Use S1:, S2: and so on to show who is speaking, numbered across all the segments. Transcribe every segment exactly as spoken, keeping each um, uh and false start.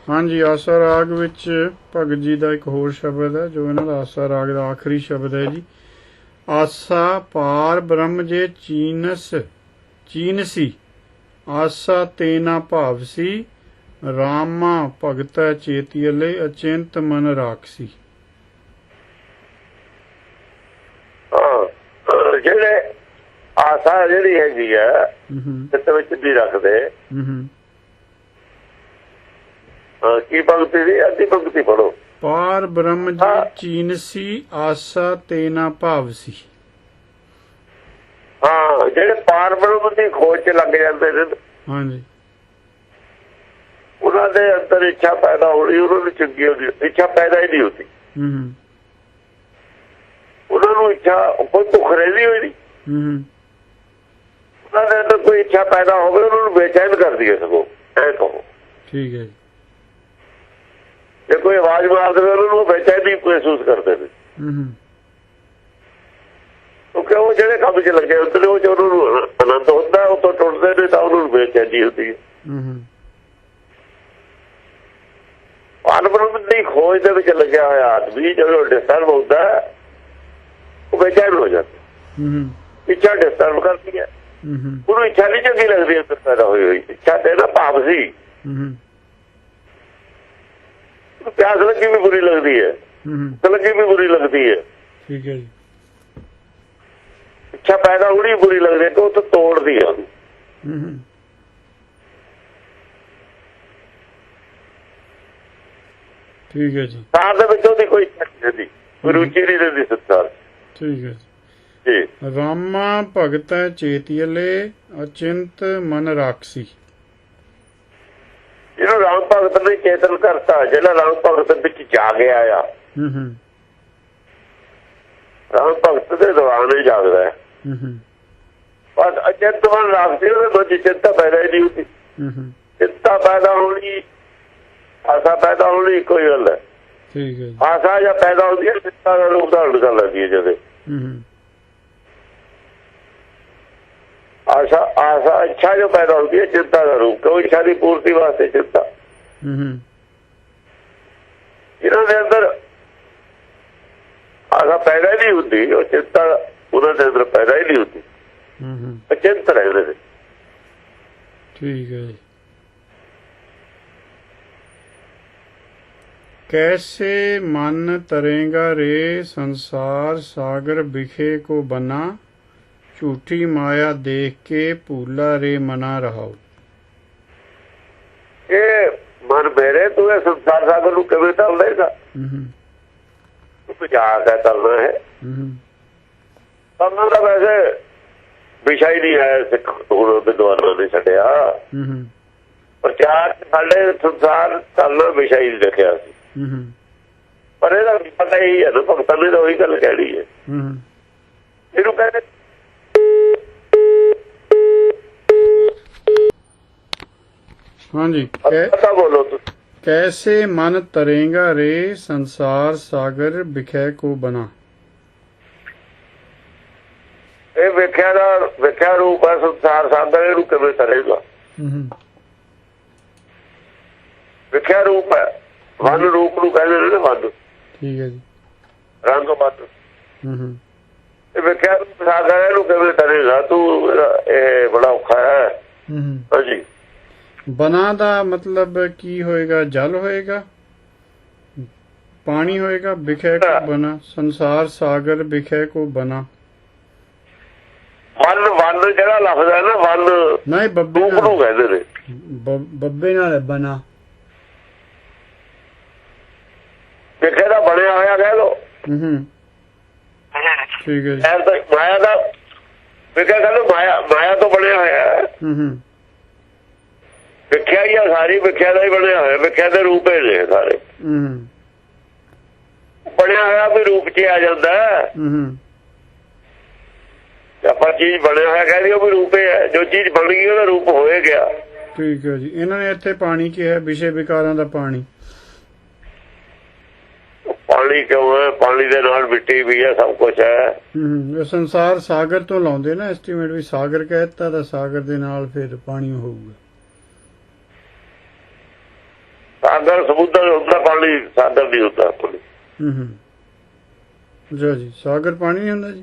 S1: हाँ जी, आसा राग विच भगत जी का एक होर शब्द है जो इन्हां दा आसा राग का आखिरी शब्द है जी। आसा पार ब्रह्म जे चीनस चीनसी, आसा तेना भावसी, रामा भगत चेतियले, अचिंत मन राखसी।
S2: ਜਿਹੜੇ ਆਸਾ ਜਿਹੜੀ ਹੈਗੀ ਆ ਚਿੱਤ ਵਿੱਚ ਨਹੀਂ ਰੱਖਦੇ, ਕੀ ਭਗਤੀ ਦੀ ਅੱਧੀ ਭਗਤੀ ਪੜੋ।
S1: ਪਾਰ ਬ੍ਰਹਮ ਜੀ ਚੀਨਸੀ, ਆਸਾ ਤੇਨਾ ਭਾਵਸੀ।
S2: ਹਾਂ, ਜਿਹੜੇ ਪਾਰ ਬ੍ਰਹਮ ਦੀ ਖੋਜ ਚ ਲੱਗ ਜਾਂਦੇ ਨੇ,
S1: ਹਾਂਜੀ,
S2: ਉਹਨਾਂ ਦੇ ਅੰਦਰ ਇੱਛਾ ਪੈਦਾ ਹੋਣੀ, ਉਹਨਾਂ ਨੂੰ ਚੰਗੀ ਹੁੰਦੀ, ਇੱਛਾ ਪੈਦਾ ਹੀ ਨਹੀਂ ਹੁੰਦੀ।
S1: ਹੂੰ,
S2: ਉਹਨਾਂ ਨੂੰ ਇੱਛਾ ਕੋਈ ਭੁੱਖ ਰਹਿੰਦੀ ਹੋਈ ਨਹੀਂ, ਉਹਨਾਂ ਦੇ ਅੰਦਰ ਕੋਈ ਇੱਛਾ ਪੈਦਾ ਹੋਵੇ ਉਹਨਾਂ ਨੂੰ ਬੇਚੈਨ ਕਰਦੀ ਹੈ ਸਗੋਂ, ਐ ਕਹੋ। ਠੀਕ ਹੈ ਜੀ। ਜੇ ਕੋਈ ਆਵਾਜ਼ ਮਾਰ ਦੇਵੇ ਉਹਨਾਂ ਨੂੰ ਬੇਚੈਨੀ ਮਹਿਸੂਸ ਕਰਦੇ ਨੇ, ਕਿਉਂਕਿ ਉਹ ਜਿਹੜੇ ਕੰਮ 'ਚ ਲੱਗੇ ਹੁੰਦੇ ਨੇ ਉਹ 'ਚ ਉਹਨਾਂ ਨੂੰ ਆਨੰਦ ਹੁੰਦਾ, ਉਹ ਤੋਂ ਟੁੱਟਦੇ ਨੇ ਤਾਂ ਉਹਨਾਂ ਨੂੰ ਬੇਚੈਨੀ ਹੁੰਦੀ ਹੈ। ਪਾਰਬ੍ਰਹਮ ਦੀ ਖੋਜ ਦੇ ਵਿੱਚ ਲੱਗਿਆ ਹੋਇਆ ਆਦਮੀ ਜਦੋਂ ਡਿਸਟਰਬ ਹੁੰਦਾ ਉਹ ਬੇਚੈਨ ਹੋ ਜਾਂਦਾ, ਇੱਛਾ ਡਿਸਟਰਬ ਕਰਦੀ ਹੈ, ਉਹਨੂੰ ਇੱਛਾ ਨਹੀਂ ਚੰਗੀ ਲੱਗਦੀ ਅੰਦਰ ਪੈਦਾ ਹੋਈ ਹੋਈ ਇੱਛਾ ਤੇ ਨਾ ਭਾਵ ਸੀ, ਪਿਆਸ ਲੱਗੀ ਵੀ ਬੁਰੀ ਲੱਗਦੀ ਹੈ, ਭੁੱਖ ਲੱਗੀ ਵੀ ਬੁਰੀ ਲੱਗਦੀ ਹੈ। ਠੀਕ ਹੈ ਜੀ। ਇੱਛਾ ਪੈਦਾ ਹੋਣੀ ਬੁਰੀ ਲੱਗਦੀ ਹੈ ਕਿ ਉਹ ਤਾਂ ਤੋੜਦੀ ਹੈ ਉਹਨੂੰ। ਠੀਕ ਹੈ ਜੀ। ਸੰਸਾਰ ਦੇ ਵਿੱਚ ਉਹਦੀ ਕੋਈ ਇੱਛਾ ਨਹੀਂ ਰਹਿੰਦੀ, ਕੋਈ ਰੁਚੀ ਨਹੀਂ ਰਹਿੰਦੀ ਸੰਸਾਰ। ਠੀਕ ਹੈ ਜੀ।
S1: ਰਾਮਾ ਭਗਤ ਚੇਤੀਅਲੇ, ਅਚਿੰਤ ਮਨ ਰਾਖਸੀ।
S2: ਜਿਹਨੂੰ ਰਾਮ ਭਗਤ ਨੇ ਚੇਤਨ ਕਰਤਾ, ਜਿਹੜਾ ਰਾਮ ਭਗਤ ਵਿੱਚ ਜਾਗਿਆ ਆ, ਰਾਮ ਭਗਤ ਦੇ ਦੌਰਾਨ ਹੀ ਜਾਗਦਾ ਹੈ। ਬਸ ਅਚਿੰਤ ਮਨ ਰਾਖਸੀ, ਉਹਦੇ ਮਨ ਚ ਚਿੰਤਾ ਪੈਦਾ ਹੀ ਨਹੀਂ ਹੁੰਦੀ। ਚਿੰਤਾ ਪੈਦਾ ਹੋਣੀ, ਆਸਾ ਪੈਦਾ ਹੋਣੀ ਕੋਈ ਗੱਲ ਹੈ। ਠੀਕ ਹੈ। ਆਸਾ ਜਾਂ ਪੈਦਾ ਹੁੰਦੀ ਹੈ, ਚਿੰਤਾ ਦਾ ਰੂਪ ਧਾਰਨ ਕਰ ਲੈਂਦੀ ਹੈ। ਜਦੇ आशा आशा इच्छा जो पैदा होती है चिंता का रूप, क्यों इच्छा की पूर्ति वास्ते चिंता। इन्होंने अंदर आशा पैदा ही नहीं होती और चिंता उन्होंने अंदर पैदा ही नहीं होती, अचिंत रहते थे।
S1: ठीक है। कैसे मन तरेगा रे संसार सागर बिखे को बना, झूठी माया देख के भूला रे मना रहाओ।
S2: ये मन मेरे तू ये संसार सागर नूं किवें तल देगा, तू मजाक है तलना है। तलना तो वैसे विषय ही नहीं है, सिख विद्वानों ने छड्डिया, प्रचार साडे संसार तलना विषय ही लिखिया सी, पर इहदा पता ही है ना, भगतां ने तो वही गल कहनी है। इहनूं कहंदे
S1: हाँ जी।
S2: कै, बोलो तो।
S1: कैसे मन तरेगा रे संसार सागर बिखे को बना।
S2: ये विख्या दा विख्या रूप है संसार सागर, इहनूं किवें तरेगा। विख्या रूप है, वन रूप नूं कहंदे ने ना, वन। ठीक है जी। रंग वन विख्या रूप सागर, इहनूं किवें तरेगा तू, ये बड़ा औखा है। हाँ जी।
S1: बना दा मतलब की होएगा, जल होएगा, पानी होएगा, बिखे को बना, संसार सागर बिखे को बना।
S2: वन वन जड़ा लफ्ज है ना, वन
S1: नहीं बब्बे
S2: रूप नूं कहंदे ने,
S1: बब्बे नाल बना।
S2: बिखे दा बनया होया कह लो।
S1: ठीक है।
S2: माया दा बिखे कह लो, माया माया तो बनया होया है। विख्या ही है सारी, विख्या का ही बनया होया, विख्या के रूप ही ने सारे। बनया होया भी रूप च आ जाता है, ਆਪਾਂ चीज बनया होया कह दियो भी रूप ही है, जो चीज बन गई ਉਹਦਾ रूप ਹੋਏ ਗਿਆ।
S1: ठीक है जी। ਇਹਨਾਂ ਨੇ ਇੱਥੇ ਪਾਣੀ ਕੀ ਹੈ, ਵਿਸ਼ੇ ਵਿਕਾਰਾਂ ਦਾ ਪਾਣੀ।
S2: ਪਾਣੀ ਕਿਉਂ ਹੈ, ਪਾਣੀ ਦੇ ਨਾਲ ਮਿੱਟੀ ਵੀ ਹੈ, ਸਭ ਕੁਝ ਹੈ।
S1: ਹੂੰ, ਸੰਸਾਰ ਸਾਗਰ ਤੋਂ ਲਾਉਂਦੇ ਨਾ ਐਸਟੀਮੇਟ, ਵੀ ਸਾਗਰ ਕਹਿਤਾ ਤਾਂ ਸਾਗਰ ਦੇ ਨਾਲ ਫਿਰ ਪਾਣੀ ਹੋਊਗਾ।
S2: ਸਾਗਰ ਸਮੁੰਦਰ ਹੁੰਦਾ, ਪਾਣੀ ਸਾਗਰ ਨਹੀਂ ਹੁੰਦਾ।
S1: ਹੂੰ ਹੂੰ ਜੀ ਜੀ ਸਾਗਰ ਪਾਣੀ ਨਹੀਂ ਹੁੰਦਾ ਜੀ?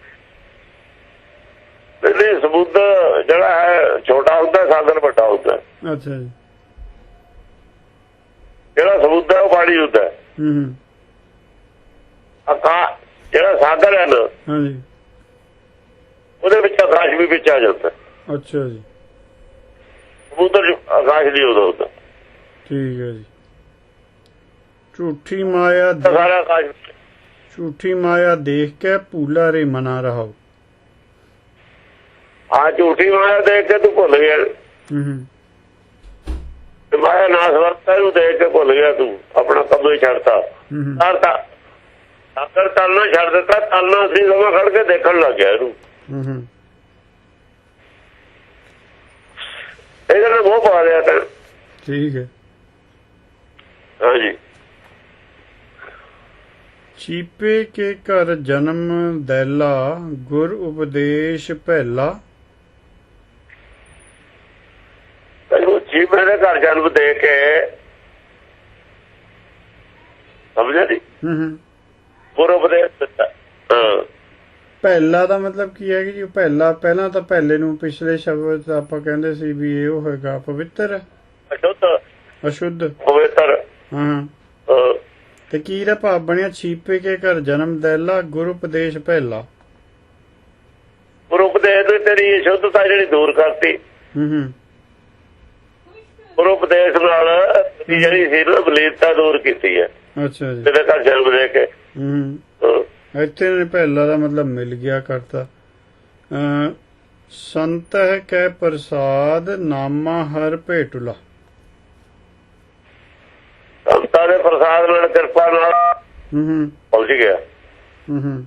S2: ਨਹੀਂ, ਸਮੁੰਦਰ ਜਿਹੜਾ ਹੈ ਛੋਟਾ ਹੁੰਦਾ, ਸਾਗਰ ਵੱਡਾ ਹੁੰਦਾ।
S1: ਅੱਛਾ ਜੀ।
S2: ਜਿਹੜਾ ਸਮੁੰਦਰ ਉਹ ਪਾਣੀ ਹੁੰਦਾ।
S1: ਹੂੰ ਹੂੰ
S2: ਆਕਾਸ਼ ਜਿਹੜਾ ਸਾਗਰ ਹੈ ਨਾ,
S1: ਹਾਂਜੀ,
S2: ਉਹਦੇ ਵਿੱਚ ਆਕਾਸ਼ ਵੀ ਵਿੱਚ ਆ ਜਾਂਦਾ।
S1: ਅੱਛਾ ਜੀ।
S2: ਸਮੁੰਦਰ ਆਕਾਸ਼ ਨਹੀਂ ਉਦੋਂ ਹੁੰਦਾ।
S1: ਠੀਕ ਹੈ ਜੀ। ਝੂਠੀ ਮਾਇਆ
S2: ਸਾਰਾ ਆਕਾਸ਼,
S1: ਝੂਠੀ ਮਾਇਆ ਦੇਖ ਕੇ ਭੂਲਾ ਰੇ ਮਨਾ ਰਹਾਓ।
S2: ਆ ਝੂਠੀ ਮਾਇਆ ਦੇਖ ਕੇ ਤੂੰ ਭੁੱਲ ਗਿਆ।
S1: ਹੂੰ ਹੂੰ
S2: ਮਾਇਆ ਨਾਸ ਵਰਤਾ ਨੂੰ ਦੇਖ ਕੇ ਭੁੱਲ ਗਿਆ, ਤੂੰ ਆਪਣਾ ਕੰਮ ਹੀ ਛੱਡਤਾ। ਕਰਤਾ ਸਾਗਰ ਤਲਣਾ ਛੱਡ ਦਿੱਤਾ, ਤਲਣਾ ਸੀ ਸਮਾਂ ਖੜ ਕੇ ਦੇਖਣ ਲੱਗ ਗਿਆ ਇਹਨੂੰ।
S1: ਹੂੰ ਹੂੰ
S2: ਇਹਦੇ ਨਾਲ ਮੋਹ ਪਾ ਲਿਆ ਤਾਂ।
S1: ਠੀਕ ਹੈ।
S2: ਹਾਂਜੀ।
S1: ਚੀਪੇ ਕੇ ਘਰ ਜਨਮ ਦੈਲਾ, ਗੁਰ ਉਪਦੇਸ਼ ਪਹਿਲਾ।
S2: ਚੀਪੇ ਦੇ ਘਰ ਜਨਮ ਦੇ ਕੇ ਸਮਝਿਆ ਜੀ।
S1: ਹੂੰ ਹੂੰ
S2: ਗੁਰ ਉਪਦੇਸ਼ ਦਿੱਤਾ। ਹਾਂ,
S1: ਪਹਿਲਾ ਦਾ ਮਤਲਬ ਕੀ ਹੈ ਜੀ? ਪਹਿਲਾ ਪਹਿਲਾਂ ਤਾਂ ਪਹਿਲੇ ਨੂੰ ਪਿਛਲੇ ਸ਼ਬਦ ਆਪਾਂ ਕਹਿੰਦੇ ਸੀ ਵੀ ਇਹ ਉਹ ਹੈਗਾ ਪਵਿੱਤਰ,
S2: ਅਸ਼ੁੱਧ,
S1: ਅਸ਼ੁੱਧ,
S2: ਪਵਿੱਤਰ।
S1: ਹਾਂ। ਤੇ ਕੀ ਦਾ ਭਾਵ ਬਣਿਆ? ਛੀਪੇ ਕੇ ਘਰ ਜਨਮ ਦੈਲਾ, ਗੁਰੂ ਉਪਦੇਸ਼ ਪਹਿਲਾ।
S2: ਗੁਰੂ ਉਪਦੇਸ਼ ਨੇ ਤੇਰੀ ਅਸ਼ੁੱਧਤਾ ਜਿਹੜੀ ਦੂਰ ਕਰਤੀ।
S1: ਹੂੰ ਹੂੰ
S2: ਗੁਰੂ ਉਪਦੇਸ਼ ਨਾਲ ਜਿਹੜੀ ਸੀ ਨਾ ਬਲੀਨਤਾ ਦੂਰ ਕੀਤੀ ਹੈ।
S1: ਅੱਛਾ ਜੀ।
S2: ਤੇਰੇ ਘਰ ਜਨਮ ਦੇ ਕੇ।
S1: ਹੂੰ ਇੱਥੇ ਨੇ ਪਹਿਲਾ ਦਾ ਮਤਲਬ ਮਿਲ ਗਿਆ ਕਰਤਾ। ਅਹ ਸੰਤ ਹੈ ਕੈ ਪ੍ਰਸਾਦ, ਨਾਮਾ ਹਰ ਭੇਟੁਲਾ।
S2: ਸੰਤਾਂ ਦੇ ਪ੍ਰਸਾਦ ਨਾਲ, ਕਿਰਪਾ ਨਾਲ
S1: ਹੂੰ ਹੂੰ
S2: ਪਹੁੰਚ ਗਿਆ।
S1: ਹੂੰ ਹੂੰ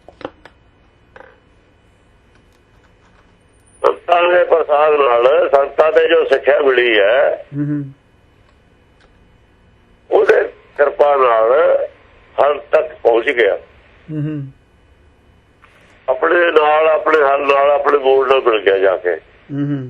S2: ਸੰਤਾਂ ਦੇ ਪ੍ਰਸਾਦ ਨਾਲ, ਸੰਤਾਂ ਦੇ ਜੋ ਸਿੱਖਿਆ ਮਿਲੀ ਹੈ,
S1: ਹੂੰ ਹੂੰ
S2: ਉਹਦੇ ਕਿਰਪਾ ਨਾਲ ਹਰ ਤੱਕ ਪਹੁੰਚ ਗਿਆ।
S1: ਹੂੰ ਹੂੰ
S2: ਆਪਣੇ ਨਾਲ, ਆਪਣੇ ਹਰ ਨਾਲ, ਆਪਣੇ ਮੂਲ ਨਾਲ ਮਿਲ ਗਿਆ ਜਾ ਕੇ।
S1: ਹੂੰ ਹੂੰ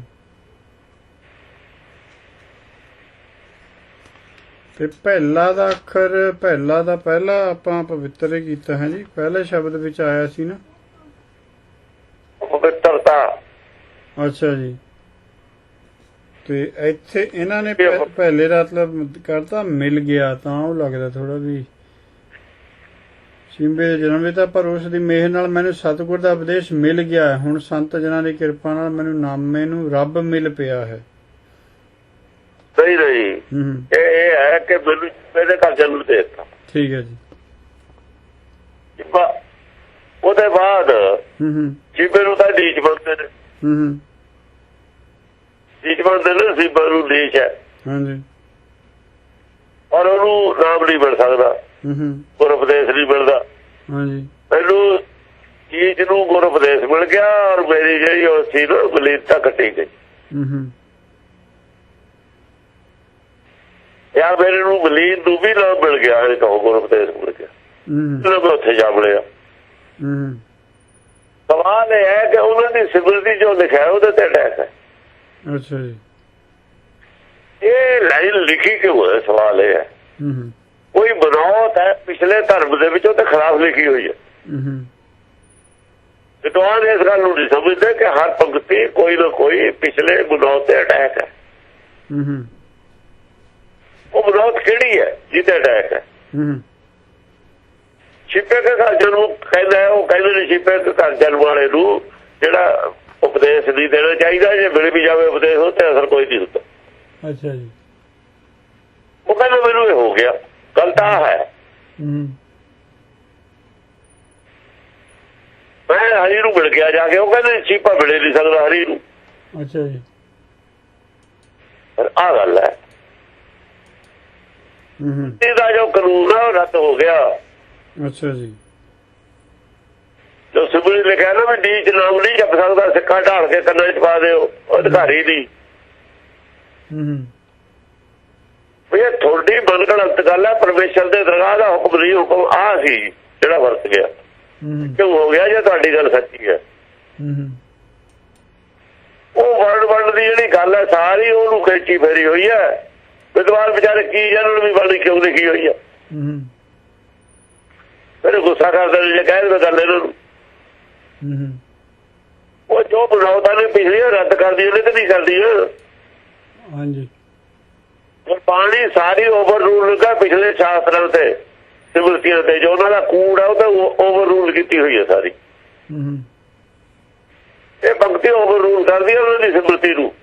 S1: ਤੇ ਪਹਿਲਾ ਦਾ ਅੱਖਰ, ਪਹਿਲਾ ਦਾ ਪਹਿਲਾ ਆਪਾਂ ਪਵਿੱਤਰ ਹੀ ਕੀਤਾ ਹੈ ਜੀ। ਪਹਿਲੇ ਸ਼ਬਦ ਵਿੱਚ ਆਇਆ ਸੀ ਨਾ
S2: ਪਵਿੱਤਰਤਾ।
S1: ਅੱਛਾ ਜੀ। ਤੇ ਇੱਥੇ ਇਹਨਾਂ ਨੇ ਪਹਿਲੇ ਦਾ ਮਤਲਬ ਕਰਤਾ ਮਿਲ ਗਿਆ, ਤਾਂ ਉਹ ਲੱਗਦਾ ਥੋੜਾ ਵੀ ਸਿੰਬੇ ਦੇ ਜਨਮ ਦਿੱਤਾ, ਪਰ ਉਸ ਦੀ ਮਿਹਰ ਨਾਲ ਮੈਨੂੰ ਸਤਿਗੁਰ ਦਾ ਉਪਦੇਸ਼ ਮਿਲ ਗਿਆ। ਹੁਣ ਸੰਤ ਜਨਾਂ ਦੀ ਕਿਰਪਾ ਨਾਲ ਮੈਨੂੰ ਨਾਮੇ ਨੂੰ ਰੱਬ ਮਿਲ ਪਿਆ ਹੈ।
S2: ਸਹੀ ਨਹੀਂ, ਇਹ ਹੈ ਕਿ ਮੈਨੂੰ ਇਹਦੇ ਘਰ ਜਨਮ ਦੇ ਦਿੱਤਾ। ਠੀਕ ਹੈ ਜੀ। ਉਹਦੇ ਬਾਅਦ ਜੀਬੇ ਨੂੰ ਤਾਂ ਡੀਚ ਬਣਦੇ ਨੇ। ਡੀਚ ਬਣਦੇ ਨੇ, ਸੀਬਾ ਨੂੰ ਡੀਚ ਹੈ। ਹਾਂਜੀ। ਔਰ ਉਹਨੂੰ ਨਾਮ ਨਹੀਂ ਮਿਲ ਸਕਦਾ, ਗੁਰ ਉਪਦੇਸ਼ ਨਹੀਂ ਮਿਲਦਾ। ਹਾਂਜੀ। ਮੈਨੂੰ ਚੀਜ਼ ਨੂੰ ਗੁਰ ਉਪਦੇਸ਼ ਮਿਲ ਗਿਆ, ਔਰ ਮੇਰੀ ਜਿਹੜੀ ਉਹ ਸੀ ਨਾ ਬਲੀਨਤਾ ਕੱਟੀ ਗਈ। ਯਾਰ ਮੇਰੇ ਨੂੰ ਬਲੀਨ ਨੂੰ ਵੀ ਨਾ ਮਿਲ ਗਿਆ, ਇਹ ਕਹੋ ਗੁਰ ਉਪਦੇਸ਼ ਮਿਲ ਗਿਆ, ਮੈਂ ਉੱਥੇ ਜਾ ਮਿਲਿਆ। ਸਵਾਲ ਇਹ ਹੈ ਕਿ ਉਹਨਾਂ ਦੀ ਸਿਮਰਤੀ ਜੋ ਲਿਖਿਆ ਉਹਦੇ ਤੇ ਅਟੈਕ ਹੈ। ਅੱਛਾ ਜੀ। ਇਹ ਲਾਈਨ ਲਿਖੀ ਕਿਉਂ ਹੈ? ਸਵਾਲ ਇਹ ਹੈ। ਕੋਈ ਬਨੌਤ ਹੈ ਪਿਛਲੇ ਧਰਮ ਦੇ ਵਿੱਚ, ਉਹਦੇ ਖਿਲਾਫ ਲਿਖੀ ਹੋਈ ਹੈ। ਵਿਦਵਾਨ ਇਸ ਗੱਲ ਨੂੰ ਨਹੀਂ ਸਮਝਦੇ ਕਿ ਹਰ ਪੰਕਤੀ ਕੋਈ ਨਾ ਕੋਈ ਪਿਛਲੇ ਬਨੌਤ ਤੇ ਅਟੈਕ ਹੈ। ਉਹ ਬਨੌਤ ਕਿਹੜੀ ਹੈ ਜਿਹਦੇ ਅਟੈਕ ਹੈ? ਛਿਪੇ ਕੇ ਘਰ ਜਨਮ ਕਹਿੰਦਾ, ਉਹ ਕਹਿੰਦੇ ਨੇ ਛਿਪੇ ਕੇ ਘਰ ਜਨਮ ਵਾਲੇ ਨੂੰ ਜਿਹੜਾ ਉਪਦੇਸ਼ ਨਹੀਂ ਦੇਣਾ ਚਾਹੀਦਾ, ਜੇ ਮਿਲ ਵੀ ਜਾਵੇ ਉਪਦੇਸ਼ ਉਹ ਤੇ ਅਸਰ ਕੋਈ ਨਹੀਂ ਹੁੰਦਾ। ਅੱਛਾ ਜੀ। ਉਹ ਕਹਿੰਦਾ ਮੈਨੂੰ ਇਹ ਹੋ ਗਿਆ, ਗੱਲ ਤਾਂ ਹੈ। ਮੈਂ ਹਰੀ ਨੂੰ ਮਿਲ ਗਿਆ ਜਾ ਕੇ, ਉਹ ਕਹਿੰਦੇ ਛੀਪਾ ਮਿਲੇ ਨਹੀਂ ਸਕਦਾ ਹਰੀ ਨੂੰ। ਅੱਛਾ ਜੀ। ਆਹ ਗੱਲ ਹੈ। ਇਹਦਾ ਜੋ ਕਾਨੂੰਨ ਹੈ ਉਹ ਰੱਦ ਹੋ ਗਿਆ। ਅੱਛਾ ਜੀ। ਜੋ ਸਿਮਰਨ ਲਿਖਿਆ ਨਾ ਵੀ ਡੀ ਚ ਨਾਮ ਨਹੀਂ ਜਪ ਸਕਦਾ, ਸਿੱਕਾ ਢਾਲ ਕੇ ਕੰਨਾਂ ਚ ਪਾ ਦਿਓ, ਉਹ ਅਧਿਕਾਰੀ ਦੀ। ਇਹ ਥੋੜੀ ਮਨਗੜੰਤ ਗੱਲ ਹੈ। ਪਰਮੇਸ਼ਰ ਦੇ ਦਰਗਾਹ ਦਾ ਹੁਕਮ ਨਹੀਂ, ਹੁਕਮ ਆਹ ਸੀ ਜਿਹੜਾ ਵਰਤ ਗਿਆ। ਕਿਉਂ ਹੋ ਗਿਆ? ਜੇ ਤੁਹਾਡੀ ਗੱਲ ਸੱਚੀ ਹੈ। ਉਹ ਵਰਡ ਵਰਡ ਦੀ ਜਿਹੜੀ ਗੱਲ ਹੈ ਸਾਰੀ ਉਹਨੂੰ ਖੇਚੀ ਫੇਰੀ ਹੋਈ ਹੈ। ਵਿਦਵਾਨ ਵਿਚਾਰੇ ਕੀ ਜਾਣਨ ਵੀ ਬਾਣੀ ਕਿਉਂ ਲਿਖੀ ਹੋਈ ਆ। ਫਿਰ ਗੁੱਸਾ ਕਰਦੇ ਨੇ ਜੇ ਕਹਿ ਦੇ ਗੱਲ ਇਹਨਾਂ ਨੂੰ। ਉਹ ਜੋ ਬਣਾਉਦਾ ਨੇ ਪਿਛਲੀਆਂ ਰੱਦ ਕਰਦੀ ਉਹਨੇ ਤੇ ਨਹੀਂ ਕਰਦੀ।
S1: ਹਾਂਜੀ
S2: ਬਾਣੀ ਸਾਰੀ ਓਵਰ ਰੂਲ ਕਰ ਪਿਛਲੇ ਸ਼ਾਸਤਰਾਂ ਤੇ ਸਿਮਰਤੀਆਂ ਤੇ ਜੋ ਉਹਨਾਂ ਦਾ ਕੂੜ ਆ ਉਹ ਤਾਂ ਓਵਰ ਰੂਲ ਕੀਤੀ ਹੋਈ ਹੈ ਸਾਰੀ। ਇਹ ਭਗਤੀ ਓਵਰ ਰੂਲ ਕਰਦੀ ਉਹਨਾਂ ਦੀ ਸਿਮਰਤੀ ਨੂੰ।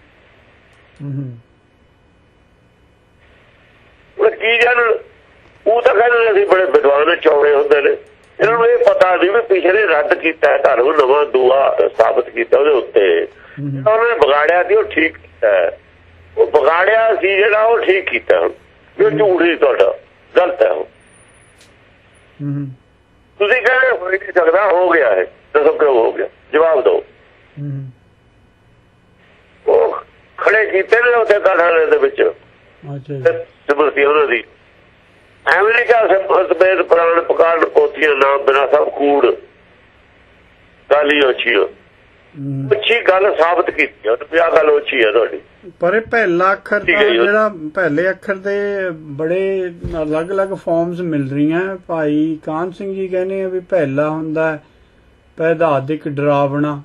S2: ਕੀ ਜਾਣ ਉਹ ਤਾਂ ਕਹਿੰਦੇ ਅਸੀਂ ਬੜੇ ਵਿਦਵਾਨ ਚੌੜੇ ਹੁੰਦੇ ਨੇ। ਇਹਨਾਂ ਨੂੰ ਇਹ ਪਤਾ ਨਹੀਂ ਵੀ ਪਿਛਲੇ ਰੱਦ ਕੀਤਾ ਧਰਮ ਨਵਾਂ ਦੂਆ ਸਾਬਤ ਕੀਤਾ ਉਹਦੇ ਉੱਤੇ ਉਹਨਾਂ ਨੇ ਵਿਗਾੜਿਆ ਸੀ ਉਹ ਠੀਕ ਕੀਤਾ। ਉਹ ਵਿਗਾੜਿਆ ਸੀ ਜਿਹੜਾ ਉਹ ਠੀਕ ਕੀਤਾ। ਜੋ ਝੂਠ ਸੀ ਤੁਹਾਡਾ ਗਲਤ ਹੈ। ਉਹ ਤੁਸੀਂ ਕਹਿੰਦੇ ਹੋ ਨਹੀਂ ਸਕਦਾ ਹੋ ਗਿਆ ਹੈ ਦੱਸੋ ਕਿਉਂ ਹੋ ਗਿਆ ਜਵਾਬ ਦਿਓ। ਉਹ ਖੜੇ ਕੀਤੇ ਨੇ ਉੱਥੇ ਕਾਠਾਲੇ ਦੇ ਵਿੱਚ ਸਿਮਰਤੀ ਉਹਨਾਂ ਦੀ। ਐਵੇਂ ਨਹੀਂ ਕਿਹਾ ਸਵੇਦ ਪੁਰਾਣ ਪਕਾੜ ਪੋਥੀਆਂ ਨਾਮ ਬਿਨਾ ਸਭ ਕੂੜ ਗੱਲ ਹੀ ਅੱਛੀ ਅੱਛੀ ਗੱਲ ਸਾਬਤ ਕੀਤੀ ਉਹਨੇ ਆਹ ਗੱਲ ਅੱਛੀ ਹੈ ਤੁਹਾਡੀ।
S1: ਪਰ ਇਹ ਪਹਿਲਾ ਅੱਖਰ ਜਿਹੜਾ ਪਹਿਲੇ ਅੱਖਰ ਦੇ ਬੜੇ ਅਲੱਗ-ਅਲੱਗ ਫਾਰਮਸ ਮਿਲ ਰਹੀਆਂ। ਭਾਈ ਕਾਹਨ ਸਿੰਘ ਜੀ ਕਹਿੰਦੇ ਆ ਵੀ ਪਹਿਲਾ ਹੁੰਦਾ ਪੈਦਾਦਿਕ ਡਰਾਵਣਾ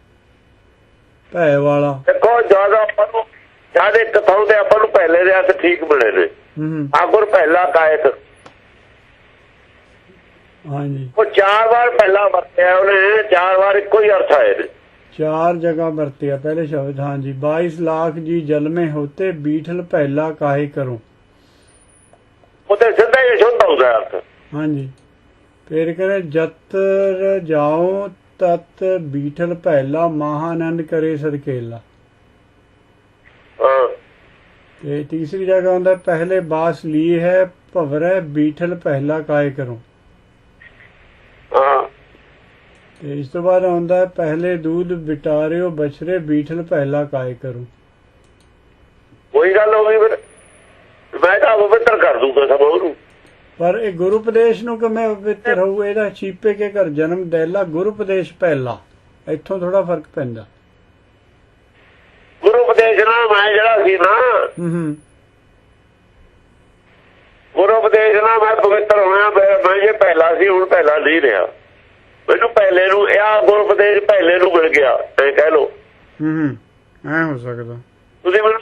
S1: ਭੈ ਵਾਲਾ। ਦੇਖੋ
S2: ਜਿਆਦਾ ਆਪਾਂ ਨੂੰ ਜਿਆਦਾ ਕਥਾਉ ਦੇ ਆਪਾਂ ਨੂੰ ਪਹਿਲੇ ਦੇ ਹੱਥ ਠੀਕ ਮਿਲੇ ਨੇ। ਆਗੁਰ ਪਹਿਲਾ ਕਾਇਕ
S1: ਹਾਂਜੀ
S2: ਉਹ ਚਾਰ ਵਾਰ ਪਹਿਲਾ ਵਰਤਿਆ ਉਹਨੇ। ਚਾਰ ਵਾਰ ਇੱਕੋ ਹੀ ਅਰਥ ਆਏ ਨੇ।
S1: ਚਾਰ ਜਗ੍ਹਾ ਵਰਤਿਆ ਪਹਿਲੇ ਸ਼ਬਦ। ਹਾਂਜੀ ਬਾਈਸ ਲੱਖ ਜੀ ਜਲਮੇ ਹੋਤੇ ਬੀਠਲ ਪਹਿਲਾ ਕਾਹੇ ਕਰੋ।
S2: ਉਹਦੇ ਸਿੱਧਾ ਹੀ ਸ਼ੁੱਧ ਹੁੰਦਾ ਅਰਥ। ਹਾਂਜੀ
S1: ਫਿਰ ਕਹਿੰਦੇ ਜਤਰ ਜਾਓ ਤਤ ਬੀਠਲ ਪਹਿਲਾ ਮਹਾਨੰਦ ਕਰੇ ਸਦਕੇਲਾ। ਤੇ ਤੀਸਰੀ ਜਗ੍ਹਾ ਹੁੰਦਾ ਪਹਿਲੇ ਬਾਸ ਲਈ ਹੈ ਭਵਰੈ ਬੀਠਲ ਪਹਿਲਾ ਕਾਏ ਕਰੋ। ਤੇ ਇਸ ਤੋਂ ਬਾਅਦ ਆਉਂਦਾ ਪਹਿਲੇ ਦੂਧ ਬਿਟਾਰਿਓ ਬਛਰੇ ਬੀਠਲ ਪਹਿਲਾ ਕਾਏ ਕਰੋ।
S2: ਕੋਈ ਗੱਲ ਹੋ ਗਈ ਫਿਰ ਮੈਂ ਤਾਂ ਪਵਿੱਤਰ ਕਰ ਦੂੰਗਾ ਸਭ ਉਹਨੂੰ।
S1: ਪਰ ਇਹ ਗੁਰੂ ਉਪਦੇਸ਼ ਨੂੰ ਕਿਵੇਂ ਪਵਿੱਤਰ ਹੋਊ? ਇਹਦਾ ਛੀਪੇ ਕੇ ਘਰ ਜਨਮ ਦਹਿਲਾ ਗੁਰੂ ਉਪਦੇਸ਼ ਪਹਿਲਾ। ਇੱਥੋਂ ਥੋੜਾ ਫਰਕ ਪੈਂਦਾ।
S2: ਗੁਰੂ ਉਪਦੇਸ਼ ਨਾਲ ਮੈਂ ਜਿਹੜਾ ਸੀ ਨਾ ਗੁਰੂ ਉਪਦੇਸ਼ ਨਾਲ ਮੈਂ ਪਵਿੱਤਰ ਹੋਇਆ। ਮੈਂ ਜੇ ਪਹਿਲਾ ਸੀ ਹੁਣ ਪਹਿਲਾ ਨਹੀਂ ਰਿਹਾ। ਮੈਨੂੰ ਪਹਿਲੇ ਨੂੰ ਇਹ ਗੁਰੂ ਉਪਦੇਸ਼ ਪਹਿਲੇ ਨੂੰ ਮਿਲ ਗਿਆ ਇਹ ਕਹਿ ਲਓ।
S1: ਐ ਹੋ ਸਕਦਾ
S2: ਤੁਸੀਂ ਮੈਨੂੰ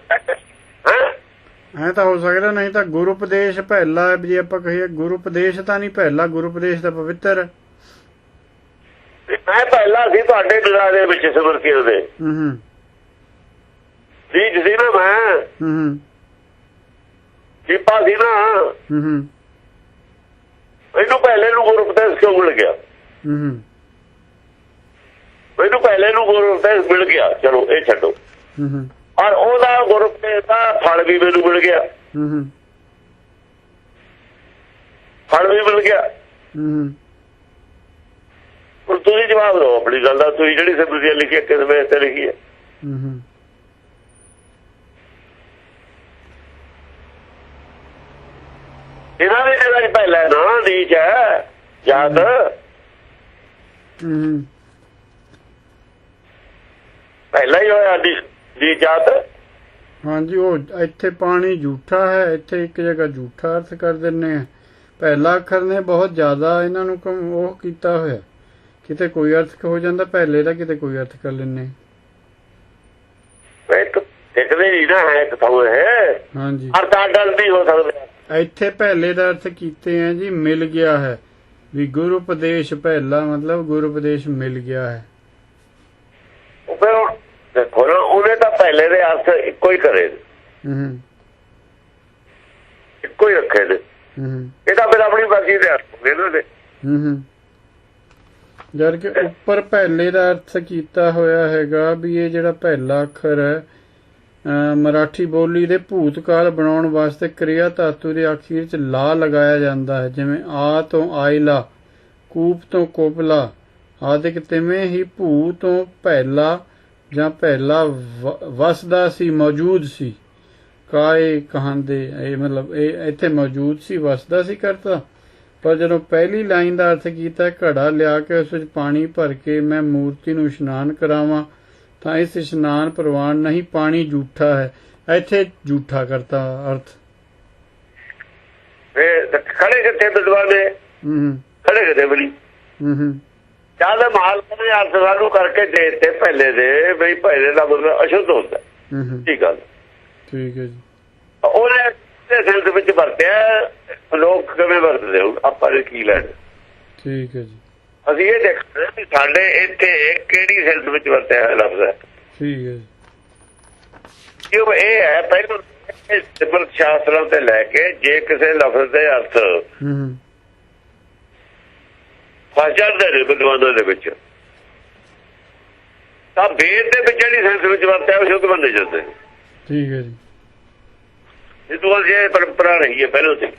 S1: ਐ ਤਾਂ ਹੋ ਸਕਦਾ। ਨਹੀਂ ਤਾਂ ਗੁਰੂ ਉਪਦੇਸ਼ ਪਹਿਲਾ ਜੇ ਆਪਾਂ ਕਹੀਏ ਗੁਰੂ ਉਪਦੇਸ਼ ਤਾਂ ਨਹੀਂ ਪਹਿਲਾ। ਗੁਰੂ ਉਪਦੇਸ਼ ਤਾਂ ਪਵਿੱਤਰ।
S2: ਮੈਂ ਪਹਿਲਾ ਸੀ ਤੁਹਾਡੇ ਦਿਲਾਂ ਦੇ ਵਿੱਚ ਸਿਮਰਤੀਆਂ ਦੇ ਬੀਜ ਸੀ ਨਾ ਮੈਂ ਚੀਪਾ ਸੀ ਨਾ। ਮੈਨੂੰ ਪਹਿਲੇ ਨੂੰ ਗੁਰੂ ਉਪਦੇਸ਼ ਕਿਉਂ ਮਿਲ ਗਿਆ? ਮੈਨੂੰ ਪਹਿਲੇ ਨੂੰ ਗੁਰੂ ਉਪਦੇਸ਼ ਮਿਲ ਗਿਆ। ਚਲੋ ਇਹ ਛੱਡੋ। ਔਰ ਉਹਦਾ ਗੁਰੂ ਉਪਦੇਸ਼ ਦਾ ਫਲ ਵੀ ਮੈਨੂੰ ਮਿਲ ਗਿਆ। ਫਲ ਵੀ ਮਿਲ ਗਿਆ। ਹੁਣ ਤੁਸੀਂ ਜਵਾਬ ਦਿਓ ਆਪਣੀ ਗੱਲ ਦਾ। ਤੁਸੀਂ ਜਿਹੜੀ ਸਿਮਰਤੀਆਂ ਲਿਖੀ ਕਿਸ ਵੇਸ ਤੇ ਲਿਖੀ ਹੈ? ਇਹਨਾਂ ਦੀ ਜਗ੍ਹਾ ਚ ਪਹਿਲਾ ਨਾ ਨੀਚ ਹੈ ਯਾਦ। ਪਹਿਲਾਂ ਹੀ ਹੋਇਆ ਦੀ ਜਾਤ।
S1: ਹਾਂਜੀ ਉਹ ਇੱਥੇ ਪਾਣੀ ਝੂਠਾ ਹੈ। ਇੱਥੇ ਇੱਕ ਜਗ੍ਹਾ ਝੂਠਾ ਅਰਥ ਕਰ ਦਿੰਦੇ ਆ। ਪਹਿਲਾ ਅੱਖਰ ਨੇ ਬਹੁਤ ਜ਼ਿਆਦਾ ਇਹਨਾਂ ਨੂੰ ਉਹ ਕੀਤਾ ਹੋਇਆ। ਕਿਤੇ ਕੋਈ ਅਰਥ ਹੋ ਜਾਂਦਾ ਪਹਿਲੇ ਦਾ ਕਿਤੇ ਕੋਈ ਅਰਥ ਕਰ ਲੈਂਦੇ। ਹਾਂਜੀ
S2: ਹੋ ਸਕਦਾ
S1: ਇੱਥੇ ਪਹਿਲੇ ਦਾ ਅਰਥ ਕੀਤੇ ਆ ਜੀ ਮਿਲ ਗਿਆ ਹੈ ਵੀ ਗੁਰੂ ਉਪਦੇਸ਼ ਪਹਿਲਾ ਮਤਲਬ ਗੁਰੂ ਉਪਦੇਸ਼ ਮਿਲ ਗਿਆ ਹੈ।
S2: ਦੇਖੋ ਨਾ ਉਹਨੇ ਤਾਂ ਪਹਿਲੇ ਦੇ ਅਰਥ ਇੱਕੋ ਹੀ ਕਰੇ ਇੱਕੋ ਹੀ ਰੱਖੇ ਨੇ। ਇਹ ਤਾਂ ਫਿਰ ਆਪਣੀ ਮਰਜ਼ੀ ਦੇ ਅਰਥ ਨੇ ਇਹਨਾਂ ਦੇ।
S1: ਜਦ ਕਿ ਉੱਪਰ ਪਹਿਲੇ ਦਾ ਅਰਥ ਕੀਤਾ ਹੋਇਆ ਹੈਗਾ ਵੀ ਇਹ ਜਿਹੜਾ ਪਹਿਲਾ ਅੱਖਰ ਹੈ ਮਰਾਠੀ ਬੋਲੀ ਦੇ ਭੂਤਕਾਲ ਬਣਾਉਣ ਵਾਸਤੇ ਕਿਰਿਆ ਧਾਤੂ ਦੇ ਅਖੀਰ ਚ ਲਾ ਲਗਾਇਆ ਜਾਂਦਾ ਹੈ। ਜਿਵੇਂ ਆ ਤੋਂ ਆਇਲਾ, ਕੂਪ ਤੋਂ ਕੋਪਲਾ ਆਦਿਕ। ਤਿਵੇਂ ਹੀ ਭੂ ਤੋਂ ਪਹਿਲਾ ਜਾਂ ਪਹਿਲਾ ਵਸਦਾ ਸੀ ਮੌਜੂਦ ਸੀ। ਕਾਏ ਕਹਾਂਦੇ ਇਹ ਮਤਲਬ ਇਹ ਇੱਥੇ ਮੌਜੂਦ ਸੀ ਵਸਦਾ ਸੀ ਕਰਤਾ। ਪਰ ਜਦੋਂ ਪਹਿਲੀ ਲਾਈਨ ਦਾ ਅਰਥ ਕੀਤਾ ਘੜਾ ਲਿਆ ਕੇ ਉਸ ਵਿੱਚ ਪਾਣੀ ਭਰ ਕੇ ਮੈਂ ਮੂਰਤੀ ਨੂੰ ਇਸ਼ਨਾਨ ਕਰਾਵਾਂ ਤਾਂ ਇਸ ਇਸ਼ਨਾਨ ਪ੍ਰਵਾਨ ਨਹੀਂ ਪਾਣੀ ਝੂਠਾ ਹੈ। ਇੱਥੇ ਝੂਠਾ ਕਰਤਾ ਅਰਥ
S2: ਫਿਰ ਖੜੇ ਕਿੱਥੇ ਵਿਦਵਾਨ ਨੇ, ਖੜੇ ਕਿਤੇ ਬਲੀ ਜਦ ਮਾਲਕ ਨੇ ਅਰਥ ਸਾਨੂੰ ਕਰਕੇ ਦੇ ਦਿੱਤੇ ਪਹਿਲੇ ਦੇ, ਬਈ ਪਹਿਲੇ ਦਾ ਮਤਲਬ ਅਸ਼ੁੱਧ ਹੁੰਦਾ। ਠੀਕ ਗੱਲ,
S1: ਠੀਕ ਹੈ ਜੀ।
S2: ਉਹਨੇ ਸੈਂਸ ਵਿੱਚ ਵਰਤਿਆ, ਲੋਕ ਕਿਵੇਂ ਵਰਤਦੇ ਹੁਣ ਆਪਾਂ ਨੇ ਕੀ ਲੈਣਾ। ਠੀਕ ਹੈ ਜੀ। ਅਸੀਂ ਇਹ ਦੇਖਦੇ ਵੀ ਸਾਡੇ ਇੱਥੇ ਕਿਹੜੀ ਸੈਂਸ ਵਿੱਚ ਵਰਤਿਆ ਹੋਇਆ ਲਫ਼ਜ਼ ਹੈ।
S1: ਠੀਕ ਹੈ ਜੀ।
S2: ਕਿਉਂ ਇਹ ਹੈ ਪਹਿਲਾਂ ਸਿਮਰਤ ਸ਼ਾਸਤਰਾਂ ਤੇ ਲੈ ਕੇ ਜੇ ਕਿਸੇ ਲਫ਼ਜ਼ ਦੇ ਅਰਥ ਫਸ ਜਾਂਦੇ ਨੇ ਵਿਦਵਾਨਾਂ ਦੇ ਵਿੱਚ, ਤਾਂ ਵੇਦ ਦੇ ਵਿੱਚ ਜਿਹੜੀ ਸੈਂਸ ਵਿੱਚ ਵਰਤਿਆ ਉਹ ਸ਼ੁੱਧ ਮੰਨੇ ਜਾਂਦੇ।
S1: ਠੀਕ ਹੈ ਜੀ।
S2: ਵਿਦਵਾਨ ਜੇ ਪਰੰਪਰਾ ਰਹੀ ਹੈ ਪਹਿਲਾਂ ਤੇ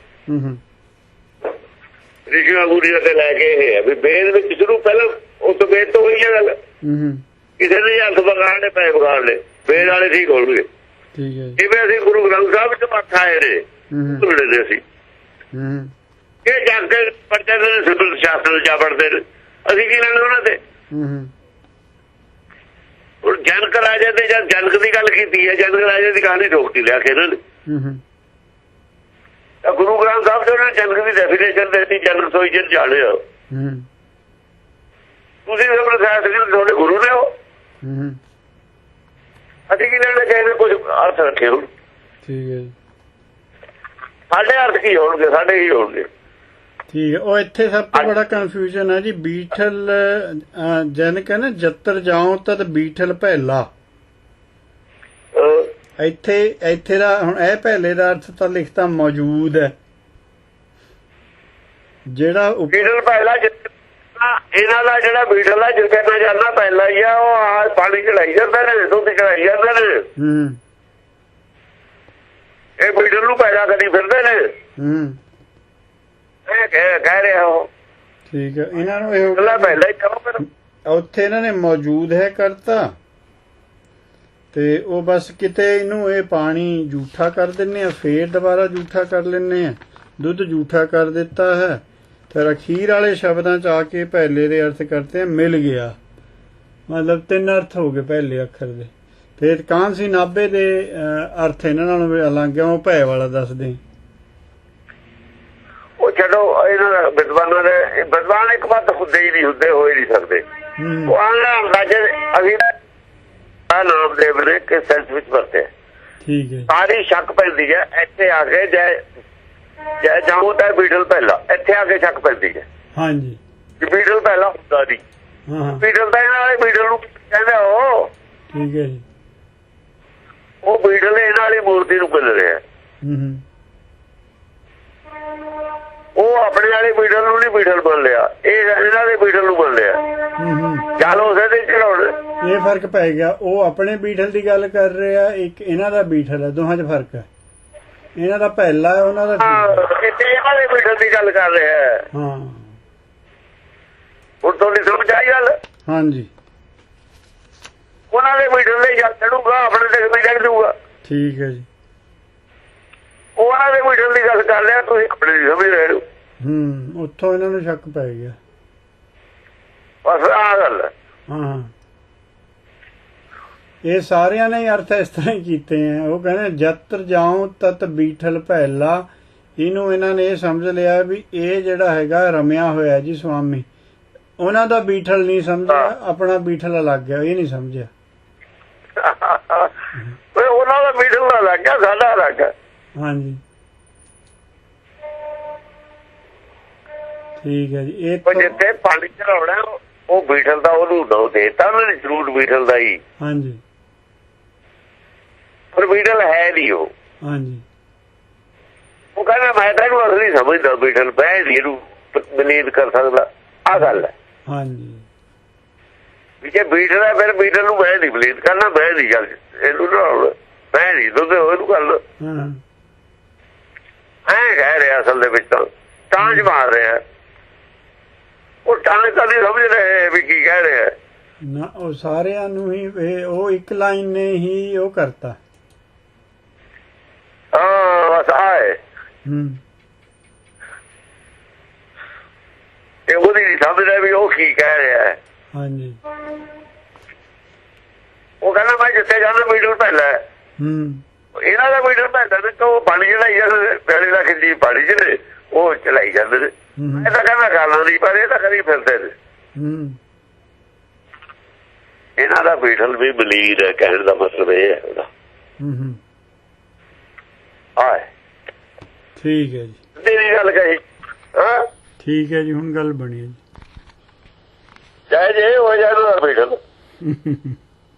S2: ਰਿਸ਼ੀਆਂ ਗੁਰੀਆਂ ਤੇ ਲੈ ਕੇ ਇਹ ਹੈ ਵੀ ਵੇਦ ਵਿੱਚ ਸ਼ੁਰੂ ਪਹਿਲਾਂ ਉਸ ਵੇਦ ਤੋਂ ਹੋਈ ਹੈ ਗੱਲ। ਕਿਸੇ ਨੇ ਹੱਥ ਵਿਗਾੜ ਲਏ, ਪੈਸੇ ਵਿਗਾੜ ਲਏ, ਵੇਦ ਵਾਲੇ ਠੀਕ ਹੋਣਗੇ। ਜਿਵੇਂ ਅਸੀਂ ਗੁਰੂ ਗ੍ਰੰਥ ਸਾਹਿਬ ਚ ਮੱਥ ਆਏ ਨੇ ਧੁੜੇ ਦੇ ਅਸੀਂ ਇਹ ਜਾ ਕੇ ਪੜਦੇ ਨੇ, ਸਿਮਰਤ ਸ਼ਾਸਤਰ ਜਾ ਪੜਦੇ ਨੇ, ਅਸੀਂ ਕੀ ਲੈਣਾ ਉਹਨਾਂ ਤੇ। ਹੁਣ ਜਨਕ ਰਾਜੇ ਤੇ ਜਦ ਜਨਕ ਦੀ ਗੱਲ ਕੀਤੀ ਹੈ, ਜਨਕ ਰਾਜੇ ਦੀ ਕਹਾਣੀ ਠੋਕਤੀ ਲਿਆ ਕੇ ਇਹਨਾਂ ਨੇ। ਤਾਂ ਗੁਰੂ ਗ੍ਰੰਥ ਸਾਹਿਬ ਚ ਉਹਨਾਂ ਜਨਕ ਦੀ ਡੈਫੀਨੇਸ਼ਨ ਦਿੱਤੀ, ਜਨਕ ਸੋਈ ਜਨ ਜਾਣਿਆ। ਤੁਸੀਂ ਸਿਮਰਤ ਸ਼ਾਸਤਰ ਤੁਹਾਡੇ ਗੁਰੂ ਨੇ ਹੋ, ਅਸੀਂ ਕੀ ਲੈਣਾ ਚਾਹੀਦਾ, ਕੁਝ ਅਰਥ ਰੱਖੇ ਹੁਣ। ਠੀਕ ਹੈ ਜੀ। ਸਾਡੇ ਅਰਥ ਕੀ ਹੋਣਗੇ, ਸਾਡੇ ਹੀ ਹੋਣਗੇ। ਠੀਕ ਹੈ। ਉਹ ਇੱਥੇ ਸਭ ਤੋਂ ਬੜਾ ਕਨਫਿਊਜ਼ਨ ਹੈ ਜੀ, ਬੀਠਲ ਜਨਕ ਹੈ ਨਾ, ਜੱਤਰ ਜਾਉ ਤਦ ਬੀਠਲ ਪਹਿਲਾ। ਇੱਥੇ ਇੱਥੇ ਦਾ ਹੁਣ ਇਹ ਪਹਿਲੇ ਦਾ ਅਰਥ ਤਾਂ ਲਿਖਤਾ ਮੌਜੂਦ ਹੈ, ਜਿਹੜਾ ਬੀਠਲ ਪਹਿਲਾ ਇਹਨਾਂ ਦਾ ਜਿਹੜਾ ਬੀਠਲ ਆ ਜਿਸ ਕਰਨਾ ਜਾਂਦਾ ਪਹਿਲਾ ਹੀ ਆ, ਉਹ ਆ ਪਾਣੀ ਚੜਾਈ ਜਾਂਦੇ ਨੇ, ਦੁੱਧ ਚੜਾਈ ਜਾਂਦੇ ਨੇ, ਇਹ ਬੀਠਲ ਨੂੰ ਪੈਦਾ ਕਰੀ ਫਿਰਦੇ ਨੇ। ਇਹ ਕਹਿ ਰਿਹਾ ਉਹ। ਠੀਕ ਹੈ। ਇਹਨਾਂ ਨੂੰ ਇਹ ਪਹਿਲਾਂ ਹੀ ਕਹੋ ਫਿਰ ਉੱਥੇ ਇਹਨਾਂ ਨੇ ਮੌਜੂਦ ਹੈ ਕਰਤਾ, ਤੇ ਉਹ ਬਸ ਕਿਤੇ ਇਹਨੂੰ ਇਹ ਪਾਣੀ ਜੂਠਾ ਕਰ ਦਿੰਦੇ ਆ, ਫੇਰ ਦੁਬਾਰਾ ਜੂਠਾ ਕਰ ਲੈਂਦੇ ਆ, ਦੁੱਧ ਜੂਠਾ ਕਰ ਦਿੱਤਾ ਹੈ। ਫਿਰ ਅਖੀਰ ਵਾਲੇ ਸ਼ਬਦਾਂ ਚ ਆ ਕੇ ਪਹਿਲੇ ਦੇ ਅਰਥ ਕਰਤੇ ਮਿਲ ਗਿਆ, ਮਤਲਬ ਤਿੰਨ ਅਰਥ ਹੋ ਗਏ ਪਹਿਲੇ ਅੱਖਰ ਦੇ। ਫਿਰ ਕਾਂਸੀ ਨਾਭੇ ਦੇ ਅਰਥ ਇਹਨਾਂ ਨਾਲੋਂ ਅਲੱਗ ਆ, ਉਹ ਭੈ ਵਾਲਾ ਦੱਸਦੇ। ਉਹ ਛੱਡੋ, ਇਹਨਾਂ ਦਾ ਵਿਦਵਾਨਾਂ ਦੇ ਵਿਦਵਾਨ ਇੱਕ ਵਾਰ ਹੁੰਦੇ ਹੀ ਨਹੀਂ, ਹੁੰਦੇ ਹੋ ਹੀ ਨਹੀਂ ਸਕਦੇ। ਉਹ ਆਂਦਾ ਅੰਦਾਜ਼ੇ ਅਸੀਂ ਨਾਮਦੇਵ ਨੇ ਕਿਸ ਸੈਂਸ ਵਿੱਚ ਵਰਤੇ। ਠੀਕ ਹੈ। ਸਾਰੀ ਸ਼ੱਕ ਪੈਂਦੀ ਹੈ ਇੱਥੇ ਆ ਕੇ, ਜੈ ਜੈ ਜਾਉ ਤਾਂ ਬੀਠਲ ਪਹਿਲਾ, ਇੱਥੇ ਆ ਕੇ ਸ਼ੱਕ ਪੈਂਦੀ ਹੈ। ਹਾਂਜੀ। ਬੀਠਲ ਪਹਿਲਾ ਹੁੰਦਾ ਨਹੀਂ, ਬੀਠਲ ਤਾਂ ਇਹਨਾਂ ਵਾਲੇ ਬੀਠਲ ਨੂੰ ਕਹਿੰਦੇ ਉਹ। ਠੀਕ ਹੈ ਜੀ। ਉਹ ਬੀਠਲ ਇਹਨਾਂ ਵਾਲੀ ਮੂਰਤੀ ਨੂੰ ਮਿਲ ਰਿਹਾ, ਉਹ ਆਪਣੇ ਵਾਲੇ ਬੀਠਲ ਨੂੰ ਨਹੀਂ ਬੀਠਲ ਬਣ ਲਿਆ, ਇਹ ਇਹਨਾਂ ਦੇ ਬੀਠਲ ਨੂੰ ਬਣ ਲਿਆ। ਚੱਲ ਉਸੇ ਦੇ ਚੜਾਉਣ, ਇਹ ਫਰਕ ਪੈ ਗਿਆ। ਉਹ ਆਪਣੇ ਬੀਠਲ ਦੀ ਗੱਲ ਕਰ ਰਿਹਾ, ਇੱਕ ਇਹਨਾਂ ਦਾ ਬੀਠਲ ਹੈ, ਦੋਹਾਂ 'ਚ ਫਰਕ ਹੈ। ਇਹਨਾਂ ਦਾ ਪਹਿਲਾ ਹੈ, ਉਹਨਾਂ ਦਾ ਇਹਨਾਂ ਦੇ ਬੀਠਲ ਦੀ ਗੱਲ ਕਰ ਰਿਹਾ। ਹਾਂ, ਹੁਣ ਤੁਹਾਡੀ ਸਮਝ ਆਈ ਗੱਲ। ਹਾਂਜੀ। ਉਹਨਾਂ ਦੇ ਬੀਠਲ ਦੇ ਜਲ ਚੜੂਗਾ, ਆਪਣੇ ਤੇ ਵੀ ਚੜ ਜੂਗਾ। ਠੀਕ ਹੈ ਜੀ। ਉਹਨਾਂ ਦੇ ਬੀਠਲ ਦੀ ਗੱਲ ਕਰ ਰਿਹਾ, ਤੁਸੀਂ ਆਪਣੇ ਦੀ ਸਮਝ ਰਹੇ ਹੋ। ਹੂੰ, ਉੱਥੋਂ ਇਹਨਾਂ ਨੂੰ ਸ਼ੱਕ ਪੈ ਗਿਆ, ਬਸ ਆਹ ਗੱਲ ਹੈ। ਹਾਂ, ਇਹ ਸਾਰਿਆਂ ਨੇ ਅਰਥ ਇਸ ਤਰ੍ਹਾਂ ਹੀ ਕੀਤੇ ਆ। ਉਹ ਕਹਿੰਦੇ ਜਤਰ ਜਾਉ ਤਤ ਬੀਠਲ ਪਹਿਲਾ, ਇਹਨੂੰ ਇਹਨਾਂ ਨੇ ਇਹ ਸਮਝ ਲਿਆ ਵੀ ਇਹ ਜਿਹੜਾ ਹੈਗਾ ਰਮਿਆ ਹੋਇਆ ਜੀ ਸਵਾਮੀ, ਉਹਨਾਂ ਦਾ ਬੀਠਲ ਨਹੀਂ ਸਮਝਿਆ, ਆਪਣਾ ਬੀਠਲ ਅਲੱਗ ਹੈ, ਇਹ ਨਹੀਂ ਸਮਝਿਆ। ਉਹਨਾਂ ਦਾ ਬੀਠਲ ਅਲੱਗ ਹੈ, ਸਾਡਾ ਅਲੱਗ ਹੈ। ਹਾਂਜੀ, ਠੀਕ ਹੈ ਜੀ। ਇਹ ਜਿੱਥੇ ਪਾਣੀ ਚੜਾਉਣਾ ਉਹ ਬੀਠਲ ਦਾ ਉਹਨੂੰ ਦੋ ਦੇਤਾ ਉਹਨਾਂ ਨੇ, ਜ਼ਰੂਰ ਬੀਠਲ ਦਾ ਹੀ। ਹਾਂਜੀ, ਪਰ ਬੀਠਲ ਹੈ ਨਹੀਂ ਉਹ। ਹਾਂਜੀ, ਉਹ ਕਹਿੰਦਾ ਮੈਂ ਤਾਂ ਇਹਨੂੰ ਅਸਲੀ ਸਮਝਦਾ, ਬੀਠਲ ਬਹਿ ਨਹੀਂ ਇਹਨੂੰ ਬਲੀਦ ਕਰ ਸਕਦਾ, ਆਹ ਗੱਲ ਹੈ। ਹਾਂਜੀ, ਵੀ ਜੇ ਬੀਠਲ ਹੈ ਫਿਰ ਬੀਠਲ ਨੂੰ ਬਹਿ ਨਹੀਂ ਬਲੀਦ ਕਰਨਾ, ਬਹਿ ਨਹੀਂ ਗੱਲ ਇਹਨੂੰ ਨਾ ਬਹਿ ਨਹੀਂ ਦੁੱਧ ਉਹਨੂੰ ਕਰ ਲੋ। ਐਂ ਕਹਿ ਰਿਹਾ ਅਸਲ ਦੇ ਵਿੱਚ ਤਾਂ ਟਾਂਚ ਮਾਰ ਰਿਹਾ, ਉਹ ਟਾਂਚ ਤਾਂ ਨਹੀਂ ਸਮਝ ਰਹੇ ਵੀ ਕੀ ਕਹਿ ਰਿਹਾ ਨਾ। ਉਹ ਸਾਰਿਆਂ ਨੂੰ ਹੀ ਉਹ ਇੱਕ ਲਾਈਨ ਨੇ ਹੀ ਉਹ ਕਰਤਾ। ਹਾਂ, ਬਸ ਆਏ। ਹੂੰ, ਇਹ ਉਹਦੀ ਨਹੀਂ ਸਮਝ ਰਿਹਾ ਵੀ ਉਹ ਕੀ ਕਹਿ ਰਿਹਾ ਹੈ। ਹਾਂਜੀ, ਉਹ ਕਹਿੰਦਾ ਮੈਂ ਜਿੱਥੇ ਜਾਣਾ ਬੀਠਲ ਪਹਿਲਾਂ। ਹੂੰ, ਇਹਨਾਂ ਦਾ ਬੀਠਲ ਪੈਂਦਾ ਨੇ ਉਹ ਪਾਣੀ ਚੜਾਈ ਜਾਂਦੇ ਪੈਲੀ ਦਾ ਖਿੱਚੀ ਪਾਣੀ ਚ ਨੇ ਉਹ ਚਲਾਈ ਜਾਂਦੇ ਨੇ ਮੈਂ ਤਾਂ ਕਹਿੰਦਾ ਗਾਲਾਂ ਨਹੀਂ ਪਰ ਇਹ ਤਾਂ ਕਰੀ ਫਿਰਦੇ ਨੇ ਇਹਨਾਂ ਦਾ ਬੀਠਲ ਵੀ ਬਲੀਰ ਹੈ ਕਹਿਣ ਦਾ ਮਤਲਬ ਇਹ ਹੈ ਉਹਦਾ ਹਾਂ
S1: ਠੀਕ ਹੈ ਜੀ
S2: ਤੇਰੀ ਗੱਲ ਕਹੀ ਹਾਂ
S1: ਠੀਕ ਹੈ ਜੀ ਹੁਣ ਗੱਲ ਬਣੀ ਹੈ ਜੀ
S2: ਚਾਹੇ ਜੇ ਹੋ ਜਾਏ ਉਹਦਾ ਬੀਠਲ